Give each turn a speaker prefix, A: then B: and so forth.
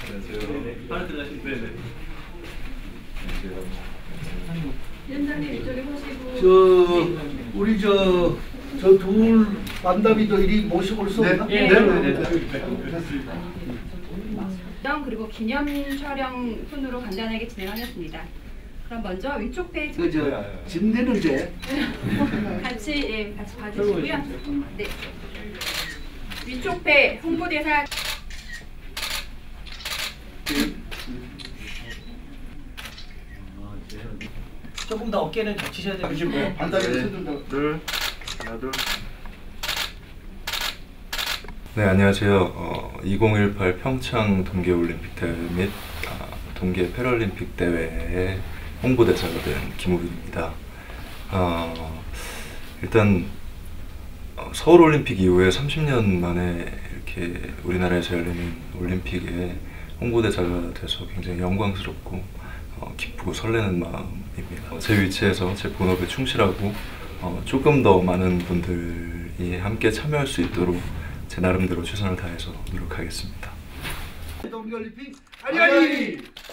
A: 바로 들어가시면 네네.
B: 위원장님 이쪽에 서시고.
C: 우리 저 둘 만담이도 이리 모시고 올 수 없나?
A: 네네네.
B: 그리고 기념 촬영 순으로 간단하게 진행하겠습니다. 그럼 먼저 위쪽 페이지
C: 진대는 제
B: 같이 봐주시고요. 네. 위쪽 배 홍보대사
A: 조금 더 어깨는 겹치셔야 돼요.
C: 반다리 둘, 하나, 둘.
D: 네, 안녕하세요. 2018 평창 동계올림픽 대회 및 동계 패럴림픽 대회의 홍보대사가 된 김우빈입니다. 일단 서울올림픽 이후에 30년 만에 이렇게 우리나라에서 열리는 올림픽에 홍보대사가 돼서 굉장히 영광스럽고 기쁘고 설레는 마음입니다. 제 위치에서 제 본업에 충실하고 조금 더 많은 분들이 함께 참여할 수 있도록 제 나름대로 최선을 다해서 노력하겠습니다.
C: 동계올림픽 아리아리!